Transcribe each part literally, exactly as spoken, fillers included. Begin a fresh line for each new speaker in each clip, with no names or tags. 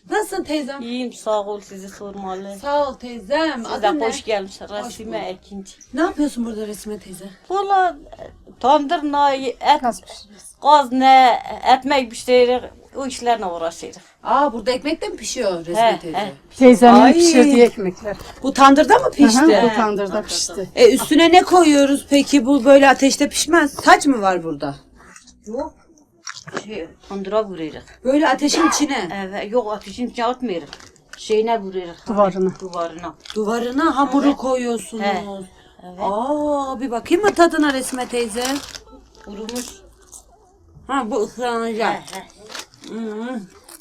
Nasılsın teyzem?
İyiyim, sağ ol, sizi sormalı.
Sağ ol teyzem.
Siz
Adın
de
ne?
hoş gelmişsiniz Rasime Ekinci.
Ne yapıyorsun burada Resme teyze?
Valla tandır ne, et,
Gaz pişiriyoruz.
gaz ne, ekmek pişiririk, o işlerle uğraşırız.
Aa burada ekmek de mi pişiyor Resme
He,
teyze?
he.
Teyzemin
Ay.
pişirdiği ekmekler.
Bu tandırda mı pişti?
Aha, bu
He,
tandırda
tandırda.
pişti.
E üstüne ne koyuyoruz peki? Bu böyle ateşte pişmez. Saç mı var burada?
Yok, şey, tandıra vuruyoruz.
Böyle ateşin içine.
Evet, yok ateşin içine atmıyoruz. Şeyine vuruyoruz.
Duvarına.
Duvarına.
Duvarına hamuru koyuyorsunuz.
He, evet.
Aa bir bakayım mı tadına Resme teyze?
Vurmuş.
Ha bu ıslanacak.
He, he.
Hı.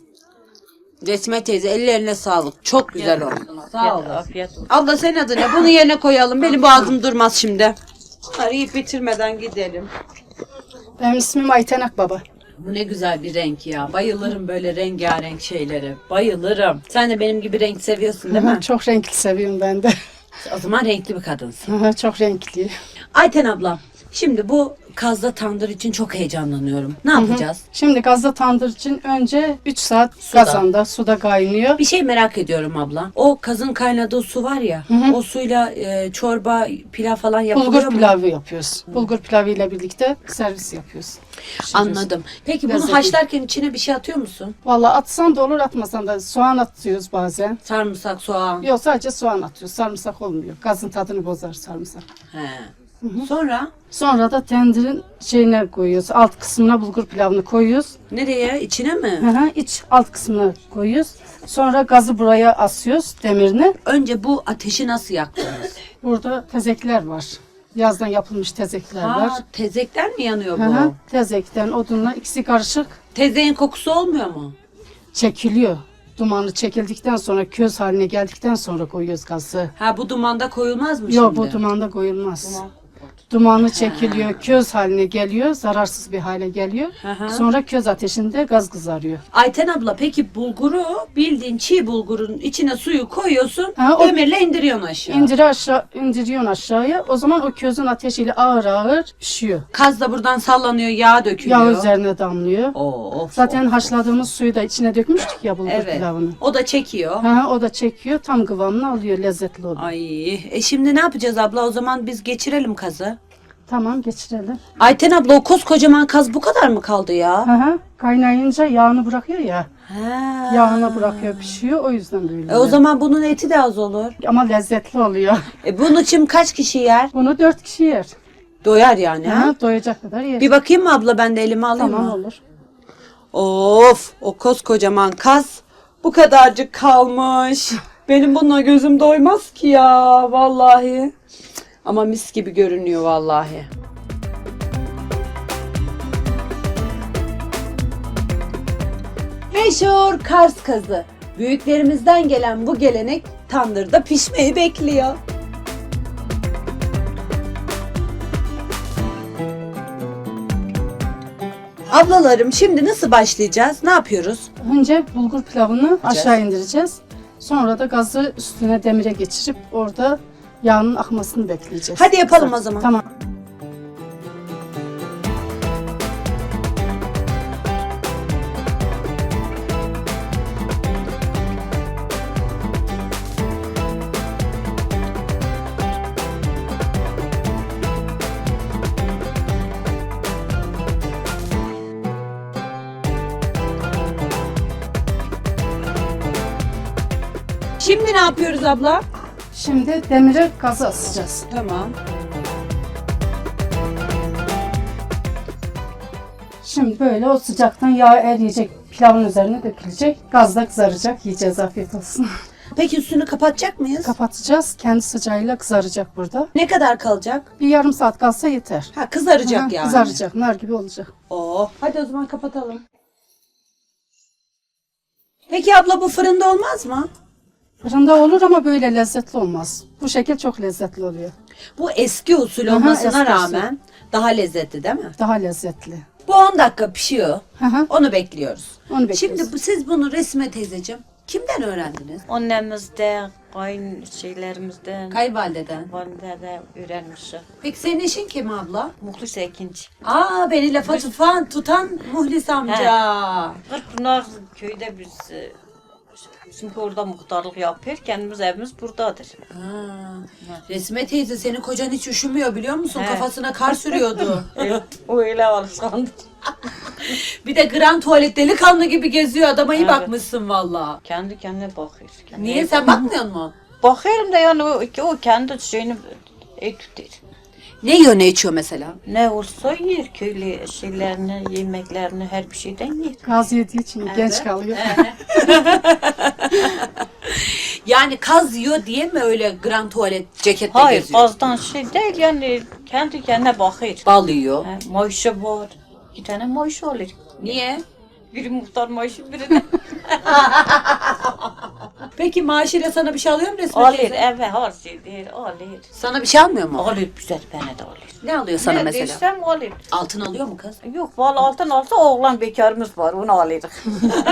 Resme teyze ellerine sağlık. Çok güzel oldu. Sağ
Afiyet,
olasın.
afiyet olsun.
Abla senin adı ne? Bunu yerine koyalım. Benim boğazım durmaz şimdi. Bunları yiyip bitirmeden gidelim.
Benim ismim Ayten Akbaba.
Bu ne güzel bir renk ya. Bayılırım böyle rengarenk şeylere. Bayılırım. Sen de benim gibi renk seviyorsun değil mi?
Aha, çok renkli seviyorum ben de.
O zaman renkli bir kadınsın.
Aha, çok renkli.
Ayten abla, şimdi bu kazda tandır için çok heyecanlanıyorum. Ne yapacağız?
Şimdi gazda tandır için önce üç saat
Suda.
kazanda suda kaynıyor.
Bir şey merak ediyorum abla. O kazın kaynadığı su var ya, o suyla e, çorba, pilav falan yapılıyor
Bulgur
mu?
pilavı yapıyoruz. Bulgur pilavı ile birlikte servis yapıyoruz. Pişiriyoruz.
Anladım. Peki bunu
Lezzetli.
haşlarken içine bir şey atıyor musun?
Vallahi atsan da olur, atmasan da soğan atıyoruz bazen.
Sarımsak, soğan.
Yok, sadece soğan atıyoruz. Sarımsak olmuyor. Gazın tadını bozar sarımsak.
He. Sonra
Sonra da tendirin şeyine koyuyoruz. Alt kısmına bulgur pilavını koyuyoruz.
nereye? İçine mi?
Hı hı, iç alt kısmına koyuyoruz. Sonra gazı buraya asıyoruz, demirini.
Önce bu ateşi nasıl yaktınız?
Burada tezekler var. Yazdan yapılmış tezekler var.
Ha, tezekten mi yanıyor
Hı hı,
bu?
tezekten, odunla ikisi karışık
Tezeğin kokusu olmuyor mu?
çekiliyor. Dumanı çekildikten sonra, köz haline geldikten sonra koyuyoruz gazı.
Ha bu dumanda koyulmaz mı
Yok,
şimdi?
bu dumanda koyulmaz. Dumanı çekiliyor, köz haline geliyor, zararsız bir hale geliyor.
hı.
Sonra köz ateşinde gaz kızarıyor.
Ayten abla peki bulguru bildiğin çiğ bulgurun içine suyu koyuyorsun,
Ha, o-
demirle indiriyorsun aşağı.
İndiri aşağı, indiriyorsun aşağıya. O zaman o közün ateşiyle ağır ağır pişiyor.
Kaz da buradan sallanıyor, yağ dökülüyor.
Yağ üzerine damlıyor.
Oo, of,
Zaten
of.
haşladığımız suyu da içine dökmüştük ya bulgur
Evet.
pilavını.
O da çekiyor.
Ha, o da çekiyor, tam kıvamını alıyor, lezzetli oluyor.
Ay, e şimdi ne yapacağız abla? O zaman biz geçirelim kazı.
Tamam, geçirelim.
Ayten abla o koskocaman kaz bu kadar mı kaldı ya?
Hı hı. Kaynayınca yağını bırakıyor ya.
Ha.
Yağını bırakıyor, pişiyor. O yüzden böyle.
E o zaman bunun eti de az olur.
Ama lezzetli oluyor.
E bunun için kaç kişi yer?
Bunu dört kişi yer.
Doyar yani ha?
Ha, doyacak kadar yer.
Bir bakayım mı abla, ben de elime alayım
Tamam,
mı?
olur.
Of, o koskocaman kaz bu kadarcık kalmış. Benim bununla gözüm doymaz ki ya vallahi. Ama mis gibi görünüyor vallahi. Meşhur Kars kazı. Büyüklerimizden gelen bu gelenek tandırda pişmeyi bekliyor. Ablalarım şimdi nasıl başlayacağız? Ne yapıyoruz?
Önce bulgur pilavını aşağı indireceğiz. Sonra da gazı üstüne demire geçirip orada yağının akmasını bekleyeceğiz.
Hadi yapalım o zaman.
Tamam.
Şimdi ne yapıyoruz abla?
Şimdi demire gazı asacağız.
Tamam.
Şimdi böyle o sıcaktan yağ eriyecek, pilavın üzerine dökülecek. Gazda kızaracak, yiyeceğiz, afiyet olsun.
Peki üstünü kapatacak mıyız?
Kapatacağız, kendi sıcağıyla kızaracak burada.
Ne kadar kalacak?
Bir yarım saat kalsa yeter.
Ha kızaracak
Aha,
yani.
Kızaracak, nar gibi olacak.
Oo. Hadi o zaman kapatalım. Peki abla bu fırında olmaz mı?
Fırında olur ama böyle lezzetli olmaz. Bu şekil çok lezzetli oluyor.
Bu eski usul
Aha,
olmasına
eski usul.
rağmen daha lezzetli değil mi?
Daha lezzetli.
Bu on dakika pişiyor.
Hı hı.
Onu bekliyoruz.
Onu bekliyoruz.
Şimdi bu, siz bunu Resme teyzeciğim kimden öğrendiniz?
Annemizden, kayın şeylerimizden,
Kayvalideden.
valide öğrenmişim.
Peki senin eşin kim abla?
Muhlis Ekinci.
Aa beni lafa tutan, tutan Muhlis amca.
Kırkpınar köyde biz e, Çünkü orada muhtarlık yapıyor. Kendimiz evimiz buradadır.
Ha. Resme teyze senin kocan hiç üşümüyor biliyor musun?
He.
Kafasına kar sürüyordu.
O öyle alışkandı.
Bir de grand tuvalet delikanlı gibi geziyor adama iyi
Evet.
bakmışsın valla.
Kendi kendine bakıyor. Kendi
Niye sen bakmıyor musun?
Bakıyorum da yani o, o kendi şeyini iyi tutuyor.
Ne yiyor ne içiyor mesela?
Ne olsa yer köylü şeylerini, yemeklerini her bir şeyden yer.
Gaz yediği için genç kalıyor.
Yani kaz yiyor diye mi öyle grand tuvalet ceketle
Hayır,
geziyor?
azdan şey değil yani kendi kendine bakıyor.
Bal yiyor.
He, maaşı var. İki tane maaşı olur.
Niye?
Biri muhtar maaşı, biri de
Peki maaşıyla sana bir şey alıyor mu Resme
alır.
teyze?
Eve harcıyor, alır.
Sana bir şey almıyor mu?
Alır güzel, bana da alır.
Ne alıyor sana
Ne
mesela?
desem alır.
Altın alıyor mu kız?
Yok, valla altın alsa oğlan bekarımız var, onu alırız.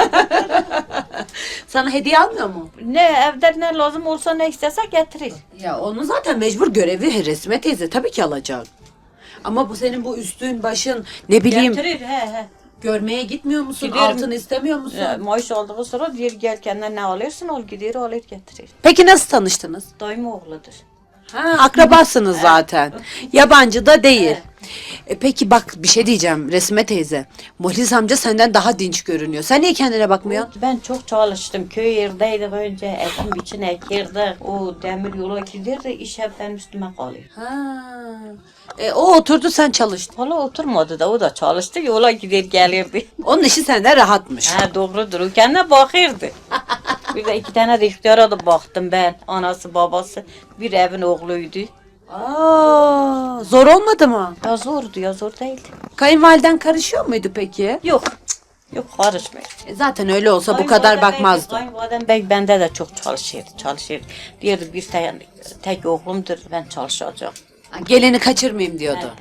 Sana hediye almıyor mu?
Ne evde ne lazım olsa ne istese getirir.
Ya onun zaten mecbur görevi Resme teyze tabii ki alacak. Ama bu senin bu üstün başın ne bileyim
Getirir, he he.
görmeye gitmiyor musun?
Giderim.
Altın istemiyor musun?
Ya, maaş aldığı sonra diyor gel kendine ne alırsın al gider alır getirir.
Peki nasıl tanıştınız?
Dayım oğludur.
Ha, akrabasınız zaten. Yabancı da değil. E peki bak bir şey diyeceğim Resme teyze. Muhlis amca senden daha dinç görünüyor. Sen niye kendine bakmıyorsun?
Ben çok çalıştım. Köy yerdeydik önce. Ekim için ekirdik. O demir yola giderdi. İş hep benim üstüme kalıyor.
Ha. E, o oturdu sen çalıştın.
Valla oturmadı da o da çalıştı. Yola gider gelirdi.
Onun işi senden rahatmış.
Ha doğrudur. O kendine bakırdı. Bir de iki tane de ihtiyara da baktım ben. Anası babası. Bir evin oğluydu.
Aa, zor olmadı mı?
Ya zordu ya zor değildi.
Kayınvaliden karışıyor muydu peki?
Yok. Yok karışmıyor.
E, zaten öyle olsa bu kadar bakmazdı.
Kayınvalidem bey bende de çok çalışırdı, çalışırdı. Diyordu bir tek, tek oğlumdur, ben çalışacağım.
Ha, gelini kaçırmayayım diyordu.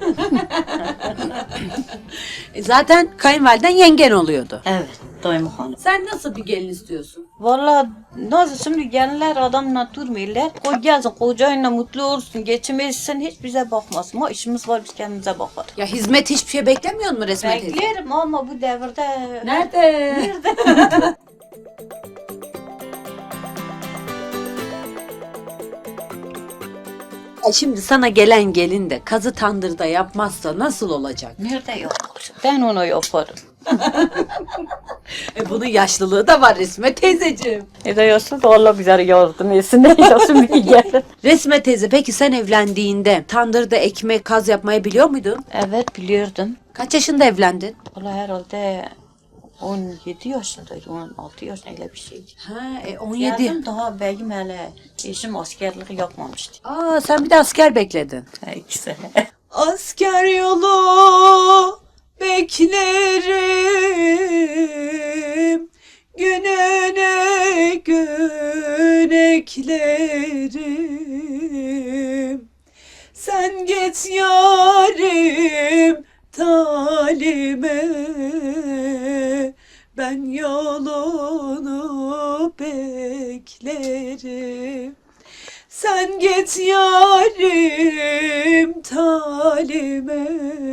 E, zaten kayınvaliden yengen oluyordu.
Evet, dayım hanım.
Sen nasıl bir gelin istiyorsun?
Valla nasıl şimdi gelenler adamla durmuyorlar. Koy gelsin, kocayla mutlu olsun, geçinmesin, hiç bize bakmasın. Ama işimiz var, biz kendimize bakarız.
Ya hizmet hiçbir şey beklemiyor mu Resme teyze?
Beklerim ama bu devirde...
Nerede? E, Şimdi sana gelen gelin de kazı tandırda yapmazsa nasıl olacak?
Nerede yok? Ben onu yaparım.
E bunun yaşlılığı da var Resme teyzeciğim.
Ne de yazsın da Allah bize yardım etsin. Ne yazsın bir gelir.
Resme teyze peki sen evlendiğinde tandırda ekmek kaz yapmayı biliyor muydun?
Evet biliyordum.
Kaç yaşında evlendin?
Valla herhalde on yedi yaşındaydı, on altı yaşında öyle bir şeydi.
Ha, e, on yedi.
Geldim daha beyim hele eşim askerlik yapmamıştı.
Aa, sen bir de asker bekledin.
Ha, ikisi.
Asker yolu beklerim, gününe gün eklerim. Sen git yarim talime, ben yolunu beklerim. Sen git yarim talime,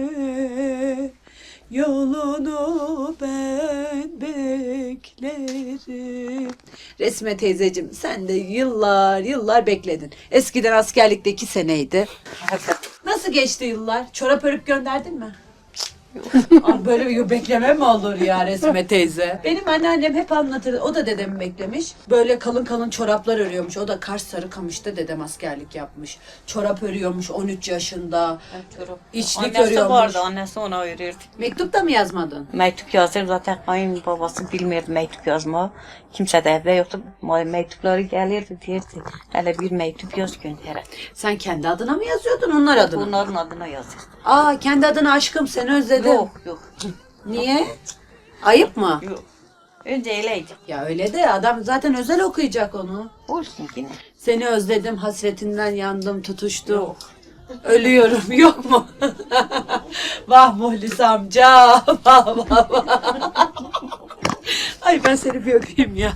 yolunu ben beklerim. Resme teyzeciğim sen de yıllar yıllar bekledin. Eskiden askerlikte iki seneydi. Nasıl geçti yıllar? Çorap örüp gönderdin mi? Abi böyle bir bekleme mi olur ya Resme teyze? Benim anneannem hep anlatır. O da dedemi beklemiş. Böyle kalın kalın çoraplar örüyormuş. O da Kars Sarıkamış'ta dedem askerlik yapmış. Çorap örüyormuş on üç yaşında. İçlik
Annesi
örüyormuş.
vardı, annesi ona verirdi.
Mektup da mı yazmadın?
Mektup yazır zaten kayınbabası bilmirdi mektup yazma. Kimse de evde yoktu. Mektupları gelirdi derdi. Hele bir mektup yaz gönder.
Sen kendi adına mı yazıyordun onlar adına?
Bunların adına yazır.
Aa kendi adına aşkım seni özledim.
Yok yok.
Niye? Ayıp mı?
Yok. Önce öyleydi.
Ya öyle de adam zaten özel okuyacak onu.
Olsun yine.
Seni özledim, hasretinden yandım, tutuştum. Yok. Ölüyorum, yok mu? Vah Muhlis amca, vah vah vah. Ay ben seni bir öpeyim ya.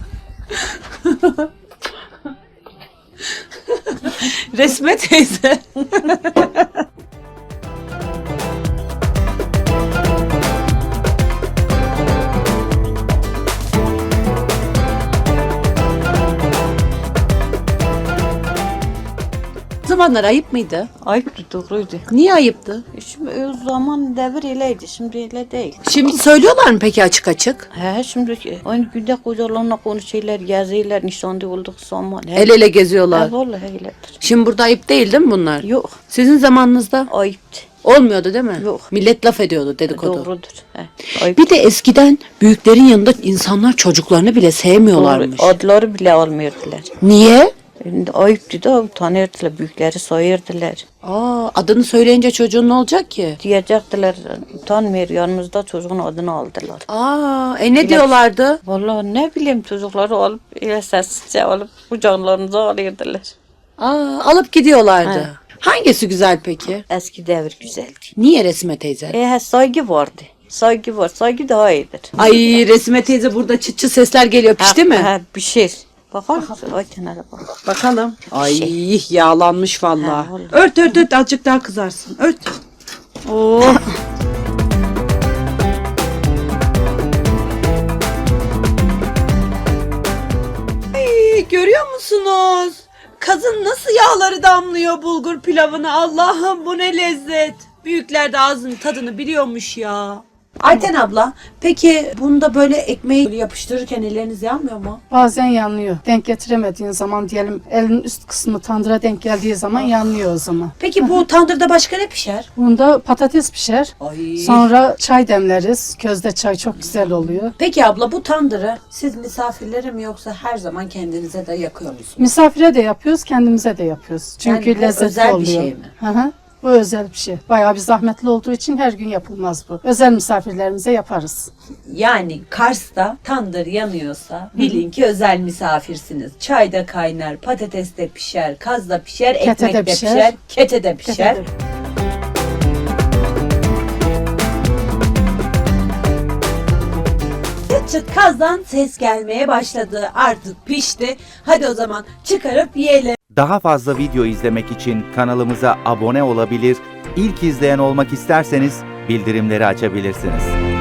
Resme teyze. zamanlar ayıp mıydı?
Ayıptı, doğruydu.
Niye ayıptı?
Şimdi o zaman devir öyleydi, şimdi öyle değil.
Şimdi söylüyorlar mı peki açık açık?
He, şimdi aynı günde kocalarına konuşuyorlar, geziyorlar, nişanlı olduk zaman. He,
El ele geziyorlar.
he, vallahi öyledir.
Şimdi burada ayıp değil değil mi bunlar?
Yok,
Sizin zamanınızda
ayıptı.
olmuyordu değil mi?
Yok.
Millet laf ediyordu, dedikodu.
Doğrudur. He, ayıp.
Bir de eskiden büyüklerin yanında insanlar çocuklarını bile sevmiyorlarmış.
Doğru, adları bile almıyordular.
Niye?
Şimdi ayıptı da utanırdılar, büyükleri sayırdılar.
Aa, adını söyleyince çocuğun ne olacak ki?
Diyecektiler, utanmıyor, yanımızda çocuğun adını aldılar.
Aa, e ne diyorlardı?
Vallahi ne bileyim, çocukları alıp, ile sessizce alıp kucaklarınıza alırdılar.
Aa, alıp gidiyorlardı.
He.
Hangisi güzel peki?
Eski devir güzeldi.
Niye Resme teyze?
E, saygı vardı. Saygı var, saygı daha iyidir.
Ay Resme teyze burada çıt çıt sesler geliyor, pişti
Ha,
mi?
ha, pişir. Bakar mısın? Ay kenara bak.
Bakalım. Ay yağlanmış vallahi.
Ha, vallahi.
Ört ört ört azıcık daha kızarsın. Ört. Oh. Ay, görüyor musunuz? Kazın nasıl yağları damlıyor bulgur pilavına. Allah'ım bu ne lezzet. Büyükler de ağzının tadını biliyormuş ya. Ayten abla, peki bunda böyle ekmeği böyle yapıştırırken elleriniz yanmıyor mu?
Bazen yanıyor. Denk getiremediğin zaman diyelim elin üst kısmı tandıra denk geldiği zaman yanıyor o zaman.
Peki bu tandırda başka ne pişer?
Bunda patates pişer.
Ay.
Sonra çay demleriz. Közde çay çok güzel oluyor.
Peki abla, bu tandırı siz misafirlere mi yoksa her zaman kendinize de yakıyor musunuz?
Misafire de yapıyoruz, kendimize de yapıyoruz. Çünkü
Yani bu
lezzetli
özel bir
oluyor.
şey mi?
Hı hı. Bu özel bir şey. Bayağı bir zahmetli olduğu için her gün yapılmaz bu. Özel misafirlerimize yaparız.
Yani Kars'ta tandır yanıyorsa bilin ki özel misafirsiniz. Çay da kaynar, patates de pişer, kaz da pişer,
Kete
ekmek
de
de
pişer.
pişer, kete de pişer.
Kete de-
Çıt çıt kazdan ses gelmeye başladı. Artık pişti. Hadi o zaman çıkarıp yiyelim.
Daha fazla video izlemek için kanalımıza abone olabilir, ilk izleyen olmak isterseniz bildirimleri açabilirsiniz.